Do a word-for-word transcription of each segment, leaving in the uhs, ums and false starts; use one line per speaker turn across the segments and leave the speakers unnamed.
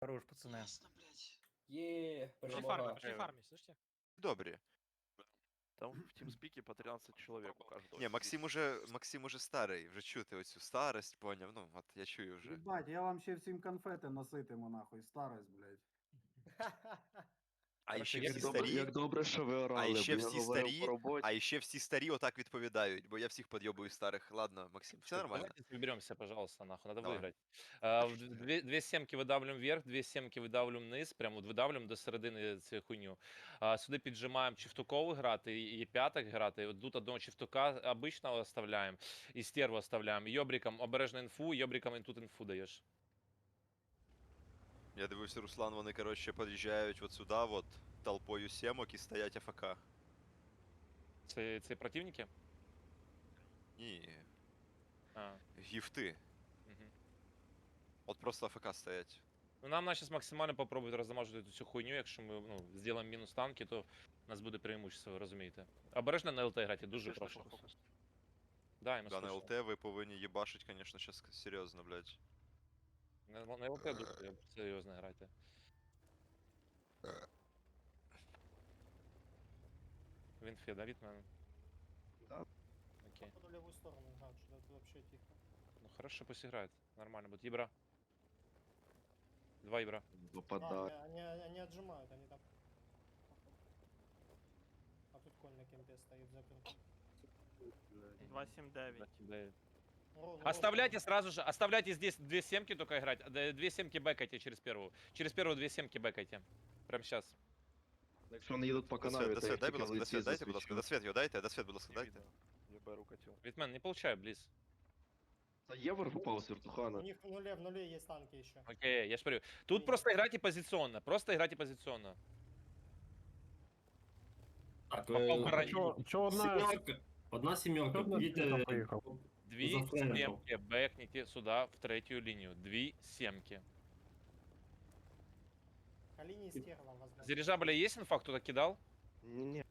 Хорош, пацаны.
Ясно, блядь.
Є,
Пошли
перемога.
фармить, пошли фармить, слышите?
Добрі.
Там в тимспике по тринадцать человек у каждого.
Ні, Максим уже, Максим уже старий, вже чути оцю старость, поняв. Ну, от я чую вже.
Ебать, я вам ще всім конфети носитиму, нахуй, старость, блядь.
А
Короче,
ще
як
всі
добре,
старі,
як добре, що ви орали,
а ще
бо я
всі
говорив
старі,
по роботі.
а ще всі старі отак відповідають, бо я всіх підйобую старих. Ладно, Максим, все нормально?
Давайте выберемся, пожалуйста, нахуй, надо
Давай.
выиграть. А, в две, две семки выдавлюємо вверх, две семки видавлюємо вниз, прямо от видавлюємо до середини цю хуйню. А, сюди піджимаємо чифтукову грати і, і п'яток грати. От тут одного чифтука обичного оставляємо, і стерву оставляємо. Йобриком обережно інфу, йобриком і тут інфу даєш.
Я дивився, Руслан, вони, коротше, під'їжджають от сюди, от, толпою сімок і стоять АФК.
Це, це противники?
Ні,
А,
гіфти.
угу.
От просто АФК стоять.
Ну, нам зараз максимально попробують роздамажити цю хуйню, якщо ми ну, зробимо мінус танки, то у нас буде преимущество, ви розумієте. Обережно на ЛТ грати, дуже
Слышно,
прошу.
что фокус?
Да, і ми
Да, на
слышно.
ЛТ ви повинні їбашить, конечно, сейчас серйозно, блядь.
На, на ЛТ дуже серйозно грайте. Він фе, да, від мене?
Да.
Окей.
Походу левую сторону играют, что это вообще тихо.
Ну хорошо, пусть играет. Нормально будет. Ебра. Два ебра.
А,
Выпадает.
они, они, они отжимают, они там. А тут конь на кемпе стоит закрыт.
два сім дев'ять.
Ровно,
Оставляйте сразу же, оставляйте здесь две семки только играть. Д- Две семки бэкайте через первую. Через первую две семки бэкайте. Прям сейчас.
Якщо вони їдуть по
Досвід,
канаві, то
досвід,
їх
дай,
тільки
будь
в
ласка,
лиці
досвід, дайте, будь ласка,
засвічу.
досвід його дайте, досвід, будь ласка,
Не
дайте.
видно. Я беру котел.
Витмен, не получаю, близ.
Та є випав з
У
вертухана.
них в нуле, в нуле есть танки еще.
Окей, я ж говорю. Тут просто играйте позиционно. Просто играйте позиционно.
Так,
Попав
е,
барані.
чо- чо одна
Сімерка. Одна сімерка.
одна
Їдьте
сімерка поїхав?
Две
За френком.
семки бэкните сюда, в третью линию. Две семки.
Калини и стерва, возможно.
С дирижабля есть инфа, кто-то кидал?
Ні-ні.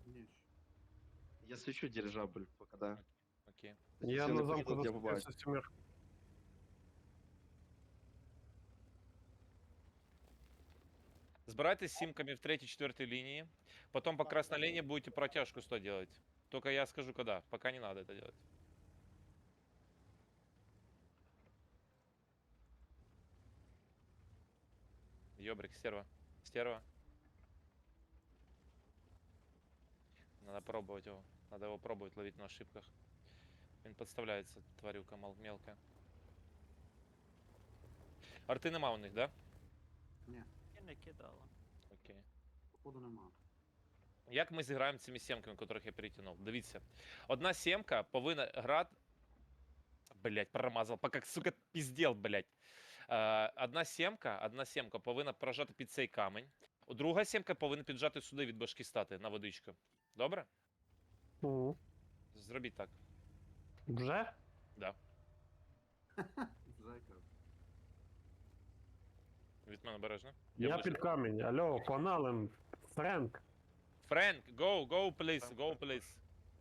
Я свічу дирижабль, поки да.
Окей.
Я
Якщо
на
не
замку
поїдуть, я побачу.
заступився сімер.
Сбирайтесь с симками в третьей, четвертой линии. Потом по красной линии будете протяжку сто делать. Только я скажу когда. Пока не надо это делать. Ёбрик, стерва. Стерва. Надо пробовать его. Надо его пробовать ловить на ошибках. Он подставляется, тварюка мал- мелкая. Арти нема у них, да?
Я не кидала.
Окей.
Походу нема.
Як ми зіграємо цими сімками, котрих я перетягнув? Дивіться. Одна сімка повинна грати. Блять, промазав, поки, сука, піздел, блять. Е, одна сімка, одна сімка повинна прожати під цей камінь. Друга сімка повинна піджати сюди від башки стати на водичку. Добре?
Мгм.
Зробіть так.
Вже?
Да.
Зайка.
Від мене обережно.
Я
ближче.
під камінь. Алло, погнали. Френк.
Френк, go, go, please, go, please.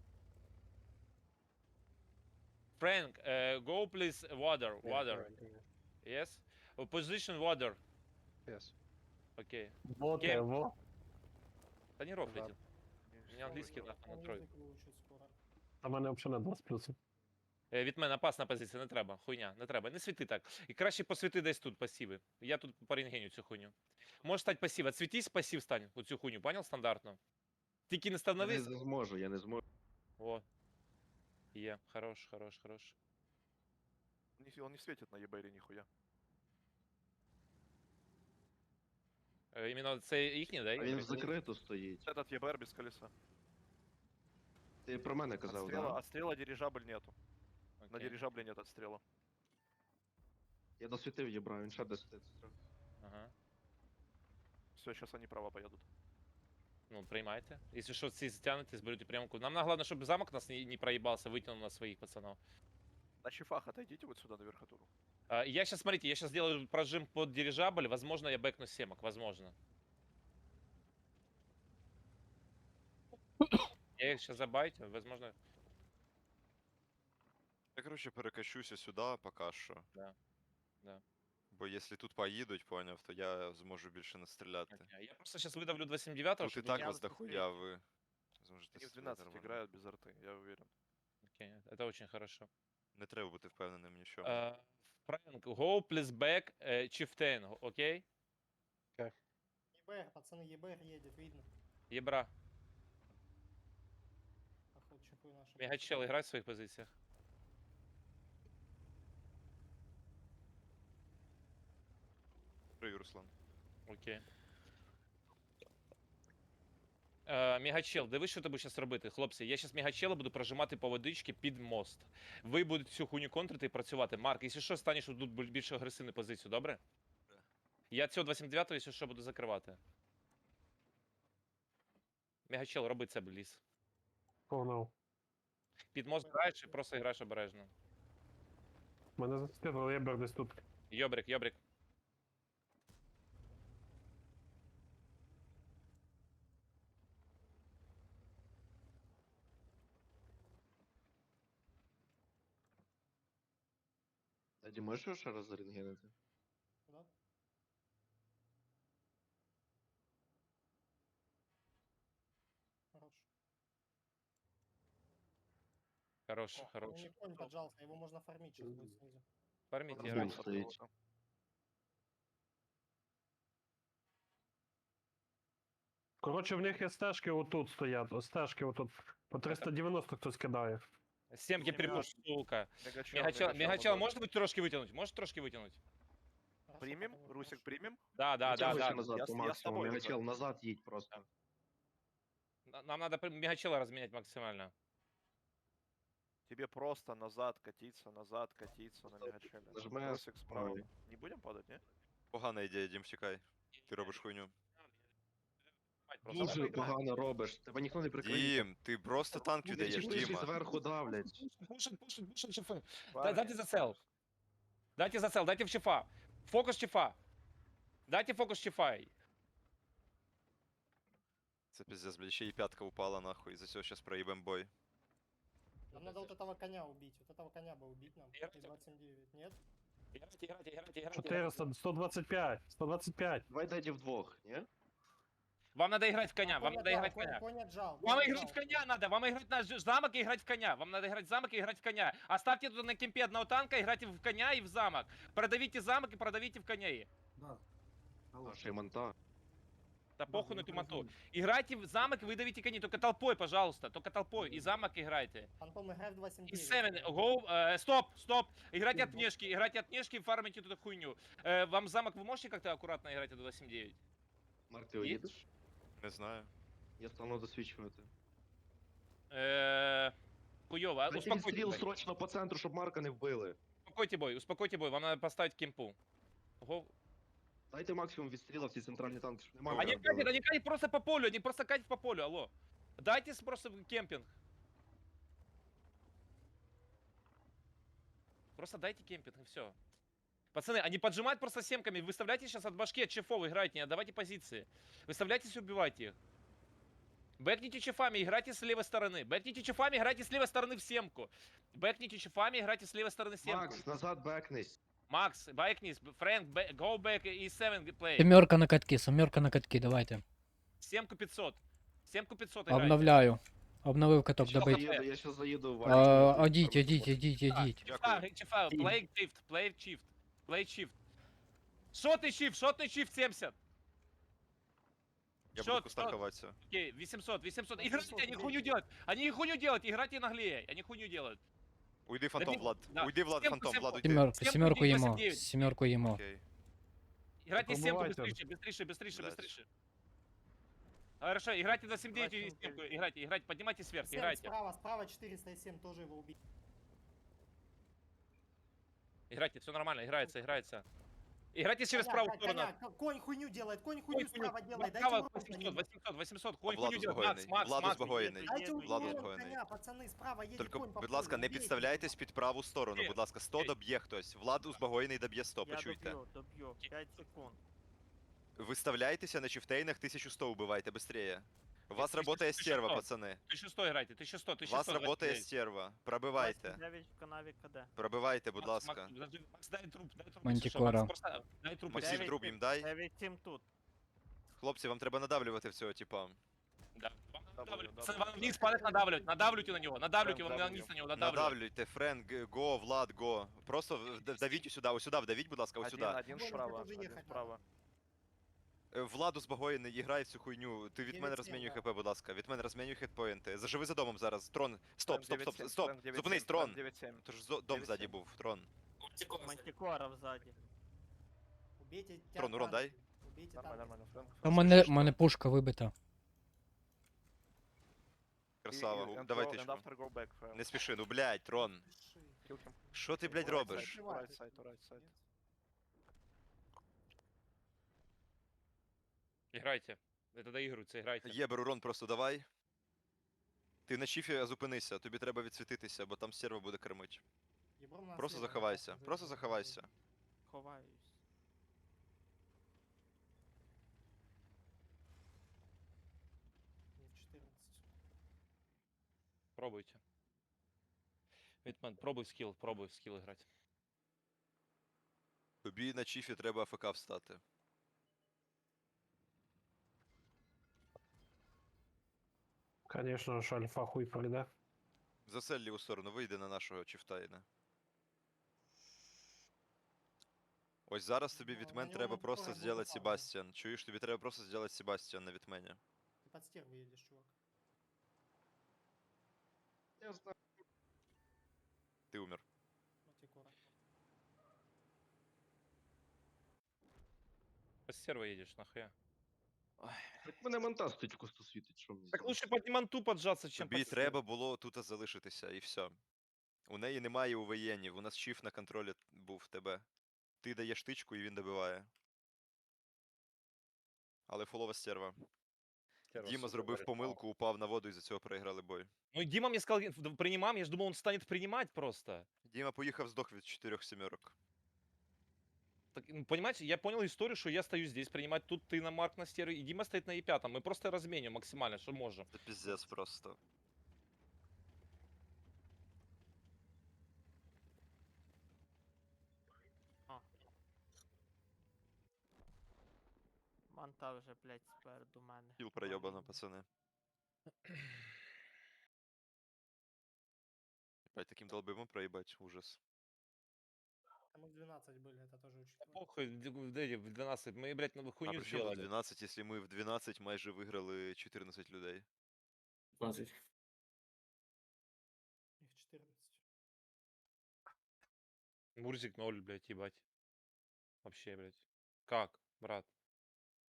Frank, uh, go please, water, water. Yes? Position water.
Yes.
Окей.
Вот
Кем?
его.
Та не рофлите. У меня английский нахуй на
Они
тройку.
язык выучат скоро.
А мене взагалі на два з плюсом.
Е, Від мене опасна позиція, не треба. Хуйня, не треба. Не світи так. І краще посвіти десь тут пасіви. Я тут порентгеню цю хуйню. Можеш стати пасів. Отсвітись, пасів стань. У цю хуйню, понял? Стандартно. Тільки не
Я не
становись.
зможу, я не зможу.
О. Є. Хорош, хорош, хорош.
Он не светит на ебере нихуя.
Е, Іменно це їхні, да?
А він в закриту стоїть.
Этот ЕБР без колеса.
Ти про мене казав,
Отстрела,
да?
отстрела дирижабль нету. На
Окей.
дирижабле нет отстрела.
Я досвітив єбра, він ще десь.
Ага.
Все, сейчас они права поедут.
Ну, приймайте. Якщо що, ці затягнете, зберете прямку. Нам головне, щоб замок нас не, не проїбався, витягнув на своїх пацанов.
На чифах отойдите вот сюда на верхотуру.
А, я сейчас, смотрите, я сейчас сделаю прожим под дирижабль, возможно, я бэкну семок, возможно. Я их сейчас забайтю, возможно.
Я, коротше, перекачуся сюди поки що.
Да, да.
Бо якщо тут поїдуть, поняв, то я зможу більше настріляти.
Я просто сейчас выдавлю два семь девять,
Тут і
чтобы
так
не...
вас дохуя, ви зможете
Они в
стріляти
двенадцать
нормально.
играют без арты, я уверен.
Окей, это очень хорошо.
Не треба бути впевненим ні в чому.
Uh, Frank, go please back uh, Chieftain, окей?
ЕБР, пацаны, ЕБР едет, видно.
Ебра.
Походу, чипы наши.
Мегачел, играй в своих позициях.
Привіт, Руслан.
Окей. Е, Мегачел, дивись, що ти будеш зараз робити, хлопці. Я зараз Мегачела буду прожимати по водички під мост. Ви будете цю хуйню контрити і працювати. Марк, якщо що, станеш тут більш агресивну позицію, добре? Я цього два сім дев'ять, якщо що, буду закривати. Мегачел, роби це, бліз.
Погнав.
Під мост граєш і просто граєш обережно.
Мене зацепило, я бер десь тут.
Йобрик, йобрик.
Тоді можеш ще раз зарентгенити?
Да? Хорош.
Хорош,
Ну,
хорош.
не конь поджался, его можно фармить сейчас будет снизу.
Фарміть,
Розумію.
грайте.
стоїть.
Коротше, в них є стежки отут стоять. Ось стежки отут. По триста дев'яносто хтось кидає.
Сімки припуш, сука.
Мегачел,
Мегачел, Мегачел,
назад.
можете трошки витягнути? Можете трошки витягнути?
Хорошо,
Примем?
пока не
Русик,
хорошо.
примем?
Да, да, да,
Витягуй
да.
ще назад
Я
по
с- я с
максимуму.
тобой
Мегачел,
уже.
назад їдь просто.
На- Нам надо при- Мегачела разменять максимально.
Тебе просто назад катиться, назад катиться на мегачеле.
Нажимай
Русик справа.
правый.
Не будем падать, не?
Погана ідея, Дім, втікай. Ти робиш хуйню.
Просто
Дуже
давай поіграємо.
погано робиш. Тебе ніхто не прикриє.
Дім, ти просто танк віддаєш,
Чіпиші
Діма.
зверху давлять.
Пушит, пушит, пушит чефа. Да,
Парни,
дайте зацел. Дайте зацел, дайте в чефа. Фокус чефа. Дайте фокус чефа.
Це пиздец, блядь, ще і п'ятка упала нахуй, і за цього щас проїбем бой.
Нам надо вот этого коня убить. Вот этого коня бы убить нам.
Я
И двадцать семь девять. Нет?
Играйте, играйте, играйте, играйте.
чотириста, сто двадцять п'ять, сто двадцять п'ять.
Давай дайте вдвох, ні?
Вам надо играть в коня,
А,
вам
конь
надо
отжал,
играть в
конь-
коня.
Конь отжал.
Вам
конь
играть в
отжал.
коня надо, вам играть на ж- замок и играть в коня. Вам надо играть в замок и играть в коня. Оставьте тут на кемпе одного танка, играйте в коня и в замок. Продавите замок и продавите в коня.
Да. Алло.
Наша монта.
Да
Да,
похуй на
ну,
эту моту.
разумеется.
Играйте в замок и выдавите коней. Только толпой, пожалуйста. Только толпой. И замок играйте.
Фантом, играй в два семь
И
девять.
Севен, go, э, стоп, стоп. Играйте
Стоп.
от внешки, играйте от внешки, фармите эту хуйню. Э, вам замок вы можете как-то аккуратно играть от два семь девять?
Марк, ти
Є?
уїдеш?
Не знаю.
Я стану досвідчувати.
Э, хуёво. а?
Дайте
Успокойте
відстріл
бой.
срочно по центру, щоб Марка не вбили.
Успокойте бой, успокойте бой. Вам надо поставить кемпу. Go.
Дайте максимум відстріла в ці центральні танки, щоб не
Они
Марка
катят,
вбили.
они катят просто по полю, они просто катят по полю, алло. Дайте с- просто кемпинг. Просто дайте кемпинг и все. Пацаны, они поджимают просто семками. Выставляйте сейчас от башки, от чефов играйте, не отдавайте позиции. Выставляйтесь и убивайте их. Бэкните чефами, играйте с левой стороны. Бэкните чефами, играйте с левой стороны в семку. Бэкните чефами, играйте с левой стороны в семку.
Макс, назад бекнись.
Макс, бэкнись, Фрэнк, бэ- go back и seven play.
Семерка на катки, семерка на катки, давайте.
Семку пятьсот. Семку пятьсот играйте.
Обновляю. Обновив каток,
Я
добить.
заїду, я щас заїду в
А,
Варшаву.
Одіть, одіть, одіть, одіть.
Чифа,
Дякую.
чифа, play shift, play shift, play shift. Шотный shift, шотный shift семьдесят.
Я
Що-
буду кустанковатися.
Окей, восемьсот, восемьсот.
восемьсот,
Играйте, они
убейте.
хуйню делают. Они хуйню делают, играйте наглее. Они хуйню делают.
Уйди, фантом,
Добі-
Влад.
да.
Уйди, Влад,
Сімку,
фантом,
сімку.
Влад, уйди.
Семерку,
Семку
семерку
бить,
їмо.
восемь девять.
Семерку їмо.
Окей.
Играйте семку
Пробывайте.
быстрее, быстрее, быстрее,
Блядь.
быстрее. Хорошо, играйте за семь девять и
Давайте
семку.
убейте.
Играйте, играйте, поднимайтесь вверх,
Семь
играйте.
справа, справа четыреста семь, тоже его убить.
Играйте, все нормально, играется, играется. Играйте через
Коня,
правую
коня,
сторону.
коня, конь хуйню делает, конь
Конь
хуйню
хуйню.
справа делает. Дайте
Право,
урон по
восемьсот,
нему.
восемьсот, восемьсот. Конь
Владус
хуйню делает. Макс,
Багойний,
Макс,
Владус
Макс.
Багойний.
Дайте
Владус
урон
Багойний.
коня, пацаны, справа едет
Тільки,
конь по
будь ласка,
полю,
не
убейте
підставляйтесь
его.
під праву сторону,
Окей.
будь ласка, сто
Окей.
доб'є хтось. Влад узбагоєний доб'є сто,
Я
почуйте.
доб'ю, доб'ю. п'ять секунд.
Виставляйтеся на чифтейнах, тисячу сто убивайте, быстрее. У вас
Тысяча
работает
сто,
стерва,
тысяча
пацаны.
тысяча сто играйте, тысяча сто,
У
тысяча
вас
сто.
работає стерва. Пробивайте.
двадцять дев'ять в канаві КД.
Пробивайте, будь
Макс,
ласка.
Макс, подожди, Макс, дай труп, дай труп,
Мантикора.
Макс, просто дай труп.
Максим,
если-
труп їм дай.
дев'ять сім тут.
Хлопці, вам треба надавлювати в цього типа.
Да. Вам
W,
надавливать.
W,
Вам вниз палец надавливать, надавливайте на него, надавливайте
Прям
вам
W.
вниз на него, надавливайте.
Надавлюйте, Френ, г- го, Влад, го. Просто в- д- вдавіть сюди, ось сюди, вдавіть, будь ласка, ось
Один,
сюди.
один
Вон,
справа,
это уже
один
ехать
справа.
Е, Владу з багою не іграй в цю хуйню. Ти від мене
дев'ять
розмінюй
сім,
хп, будь ласка. Від мене розмінюй хітпоінти. Заживи за домом зараз. Трон. Стоп, стоп, стоп,
дев'ять
стоп.
сім, дев'ять
Зупинись,
сім,
трон.
дев'ять сім.
Тож зо- дом
дев'ять
ззаді
сім.
був, трон.
Мантикора взаді.
Убейте
Трон, урон дай.
Убейте
Нормально,
танки.
нормально. Фрэнк,
У
Фрэнк,
мене,
слышишь,
у мене пушка вибита.
И-
Красава,
и-
гу-
and
давай
go-
тичку.
and after go back, Фрэнк.
Не спіши, ну блядь, трон.
Kill him.
Що ти, блядь,
Right
робиш?
side, Right side, right side.
Играйте. Это доигрывается, играйте.
Є, урон просто давай. Ти на чіфі зупинися, тобі треба відсвітитися, бо там стерва буде кормить.
Ебром нас
Просто
слева,
заховайся,
опасно
просто
заезжать.
заховайся.
Ховаюсь.
Не в четырнадцать.
Пробуйте. Витман, пробуй скилл, пробуй скилл играть.
Тобі на чіфі треба АФК встати.
Конечно, що альфа хуй пройде.
Засель ліву сторону, вийди на нашого чіфтайна. Ось зараз тобі
Ну,
від
на
мен
нього
треба
ми
просто
скоро
зробити
буде
Себастьян. Чуєш, тобі треба просто зробити Себастьян на відмені.
Ты под стерву едешь, чувак.
Я знаю.
Ти умер.
Мантикора.
По серво едешь, нахуя.
Так мене монта стоїть в кусту світить, що мені
Так
зробити?
лучше под манту поджаться, чем
Тобі
под
треба було тут залишитися, і все. У неї немає увоєнів, у нас чіф на контролі був в тебе. Ти даєш тичку і він добиває. Але фулова стерва.
серво,
Діма
сука,
зробив
говорит,
помилку, упав на воду і за цього проіграли бой.
Ну и Дима мне сказал, в- принимаем, я же думал, он станет принимать просто.
Діма поїхав здох від чотирьох сімерок.
Так, ну, понимаете, я понял историю, что я стою здесь принимать, тут ты на Марк на стере, и Дима стоит на Е пять. Мы просто разменим максимально, что можем.
Це піздець просто.
Манта вже, блядь, спереду мене.
Кіл пройобано,
Блін.
пацани. Опять таким долбимом проїбать, ужас.
Там их двенадцать были, это тоже учитывать.
Похуй, в в- в двенадцать, мы, блядь, ну,
А
хуйню
при чому тут
сделали.
дванадцять, якщо ми в дванадцять майже виграли чотирнадцять людей?
Их четырнадцать.
Мурзик ноль, блядь, ебать. Вообще, блядь. Как, брат?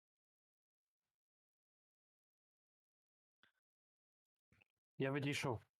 Я відійшов.